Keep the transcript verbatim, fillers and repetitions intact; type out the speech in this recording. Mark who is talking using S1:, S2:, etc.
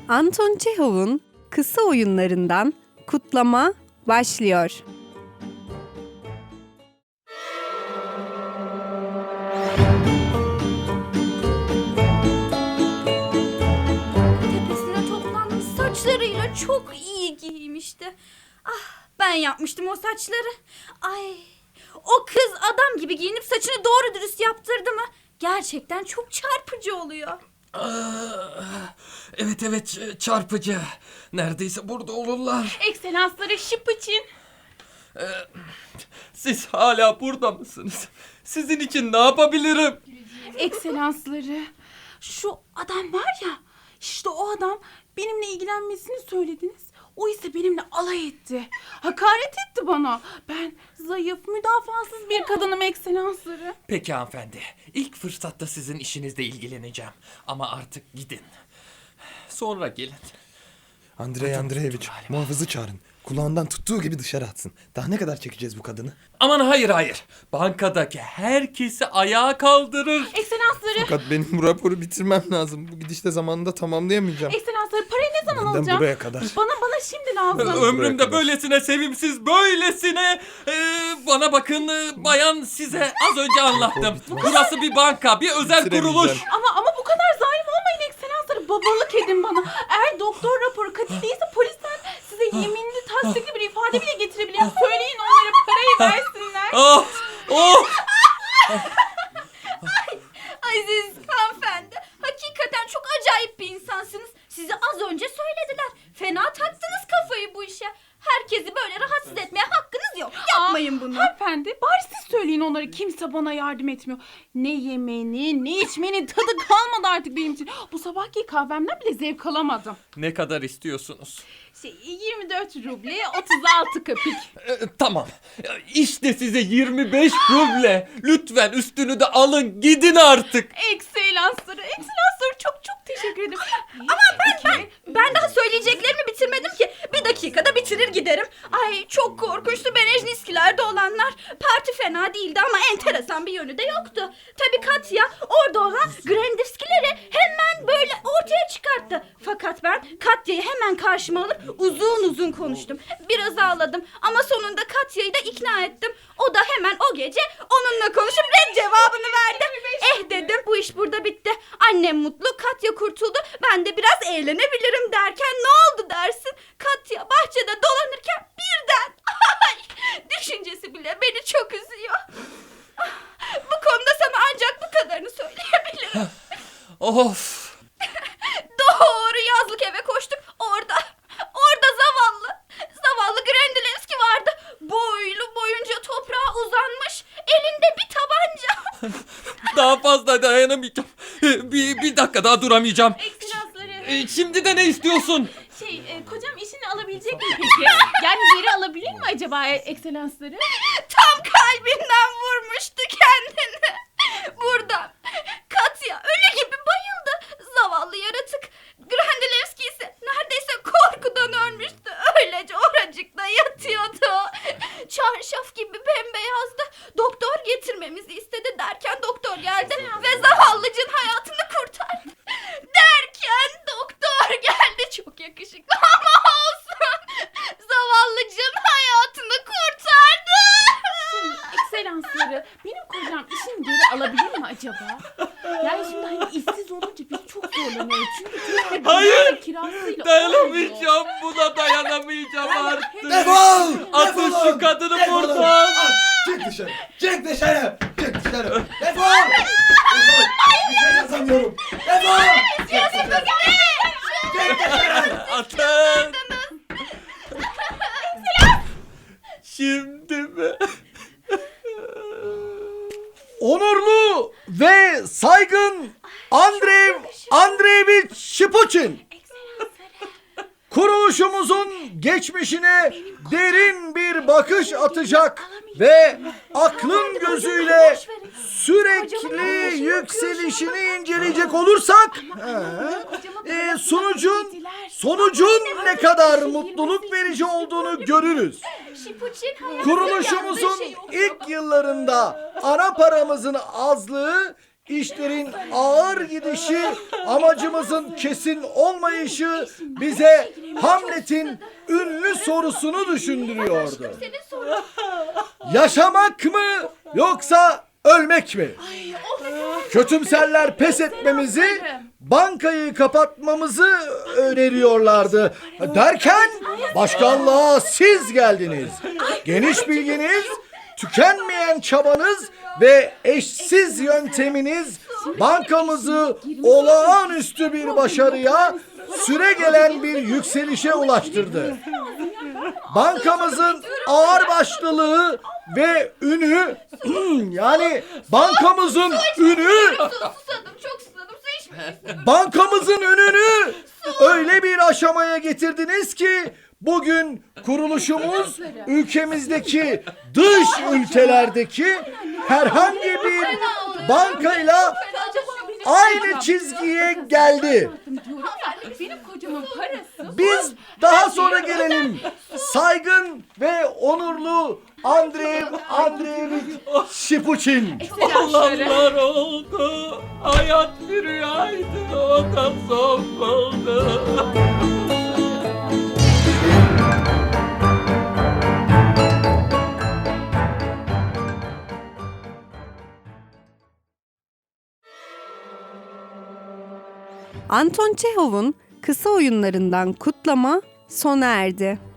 S1: Anton Çehov'un kısa oyunlarından Kutlama başlıyor.
S2: Tepesine toplanmış saçlarıyla çok iyi giymişti. Ah, ben yapmıştım o saçları. Ay, o kız adam gibi giyinip saçını doğru dürüst yaptırdı mı? Gerçekten çok çarpıcı oluyor.
S3: Ah, evet evet çarpıcı. Neredeyse burada olurlar.
S4: Ekselansları şıp için.
S3: Ee, siz hala burada mısınız? Sizin için ne yapabilirim?
S4: Ekselansları. Şu adam var ya, işte o adam benimle ilgilenmesini söylediniz. O ise benimle alay etti. Hakaret etti bana. Ben zayıf, müdafasız bir kadınım ekselansları.
S3: Peki hanımefendi. İlk fırsatta sizin işinizle ilgileneceğim. Ama artık gidin. Sonra gelin.
S5: Andrei Andreevich, muhafızı çağırın. Kulağından tuttuğu gibi dışarı atsın. Daha ne kadar çekeceğiz bu kadını?
S3: Aman hayır hayır. Bankadaki herkesi ayağa kaldırır.
S4: Ekselansları.
S5: Fakat benim bu raporu bitirmem lazım. Bu gidişte zamanında tamamlayamayacağım.
S4: Ekselansları parayı ne zaman
S5: Benden
S4: alacağım?
S5: buraya kadar.
S4: Bana bana şimdi lazım.
S3: Ömrümde böylesine sevimsiz, böylesine... e, bana bakın e, bayan, size az önce anlattım. Burası bir banka, bir özel
S5: Bitiremeyeceğim.
S3: kuruluş.
S4: Ama ama bu kadar zalim olmayın ekselansları. Babalık edin bana. Eğer doktor raporu katil değilse polisler size yeminli tasdikli bir ifade bile getirebiliyor. Söyleyin onlara parayı versinler.
S3: Oh, oh.
S2: Aziz hanımefendi, hakikaten çok acayip bir insansınız. Size az önce söylediler. Fena taktınız kafayı bu işe. Herkesi böyle rahatsız etmeye hakkınız yok. Yapmayın bunu.
S4: Hanımefendi bari siz söyleyin onlara, kimse bana yardım etmiyor. Ne yemeğinin ne içmenin tadı kalmadı artık benim için. Bu sabahki kahvemden bile zevk alamadım.
S3: Ne kadar istiyorsunuz?
S4: Şey, yirmi dört ruble otuz altı kapik.
S3: E, tamam. E, İşte size yirmi beş ruble. Lütfen üstünü de alın, gidin artık.
S4: Ekselansları, ekselansları çok çok teşekkür ederim. Ama ben, ben,
S2: Ben daha söyleyeceklerimi bitirmedim ki. Bir dakikada bitirir giderim. Ay, çok korkunçtu Berejniskilerde olanlar. Parti fena değildi ama enteresan bir yönü de yoktu. Tabii Katya orada olan Grandivskileri hemen böyle ortaya çıkarttı. Fakat ben Katya'yı hemen karşıma alıp uzun uzun konuştum. Biraz ağladım ama sonunda Katya'yı da ikna ettim. O da hemen o gece onunla konuşup red cevabını verdi. Eh dedim, bu iş burada bitti. Annem mutlu, Katya kurtuldu. Ben de biraz eğlenebilirim derken ne oldu dersin? Katya bahçede dolanırken birden ay, düşüncesi bile beni çok üzüyor. Ah, bu konuda sana ancak bu kadarını söyleyebilirim.
S3: Of.
S2: Doğru yazlık eve koştuk. Orada, orada zavallı, zavallı Grendilevski vardı. Boylu boyunca toprağa uzanmış. Elinde bir tabanca.
S3: Daha fazla dayanamayacağım. E, Bir, bir dakika daha duramayacağım.
S4: ekselansları.
S3: E, Şimdi de ne istiyorsun?
S4: Şey, e, kocam işini alabilecek mi peki? Yani geri alabilir mi acaba e, ekselansları?
S2: Tam kalbinden vurmuştu kendini. Buradan. Katya ölü gibi bayıldı. Zavallı yaratık. Grandilevski ise neredeyse korkudan ölmüştü. Öylece oracıkta yatıyordu. Çarşaf gibi bembeyazdı. Doktor getirmemizi istedi derken doktor geldi ve zavallıcın hayatını kurtardı. Derken doktor geldi. Çok yakışıklı ama olsun. Zavallıcın hayatını kurtardı.
S4: Şey, ekselansları, benim kocam işini geri alabilir mi acaba? Yani şimdi hani işsiz olunca biz çok zorlanıyoruz. Çünkü sürekli
S3: Hayır,
S4: bina kirasıyla olmuyor.
S3: Dayanamayacağım, buna dayanamayacağım artık.
S5: Defol!
S3: Atın
S5: Defol!
S3: şu kadını
S5: Defolun!
S3: buradan.
S5: At! Çık dışarı! Çık dışarı! Çık dışarı! Defol! Defol! Bir şey yazamıyorum! Defol! Çık dışarı! Çık dışarı!
S3: Atın. Şimdi mi?
S6: Onurlu ve saygın Andrei Andreevich Şipuçin, kuruluşumuzun geçmişine derin bir bakış atacak ve aklın gözüyle sürekli yükselişini inceleyecek olursak e, sonucun sonucun ne kadar mutluluk verici olduğunu görürüz.
S2: Şipuçin hayatı
S6: Kuruluşumuzun
S2: yandığı şey oldu.
S6: ilk yıllarında ana paramızın azlığı işlerin ağır gidişi, amacımızın kesin olmayışı bize Hamlet'in ünlü sorusunu düşündürüyordu.
S2: Senin sorun.
S6: Yaşamak mı yoksa ölmek mi? Kötümserler pes etmemizi, bankayı kapatmamızı öneriyorlardı. Derken başkanlığa siz geldiniz. Geniş bilginiz, tükenmeyen çabanız ve eşsiz yönteminiz bankamızı olağanüstü bir başarıya, süregelen bir yükselişe ulaştırdı. Bankamızın ağırbaşlılığı ve ünü yani bankamızın ünü
S2: Susadım, çok susadım. Su içmeyi
S6: bankamızın ününü öyle bir aşamaya getirdiniz ki bugün kuruluşumuz ülkemizdeki dış ülkelerdeki herhangi bir bankayla aynı çizgiye geldi.
S4: Benim kocamın parası.
S6: Biz daha sonra gelelim. Saygın ve onurlu Andrei Andreevich Şipuçin.
S3: Olanlar oldu. Hayat bir rüyaydı. O da son buldu.
S1: Anton Çehov'un kısa oyunlarından kutlama sona erdi.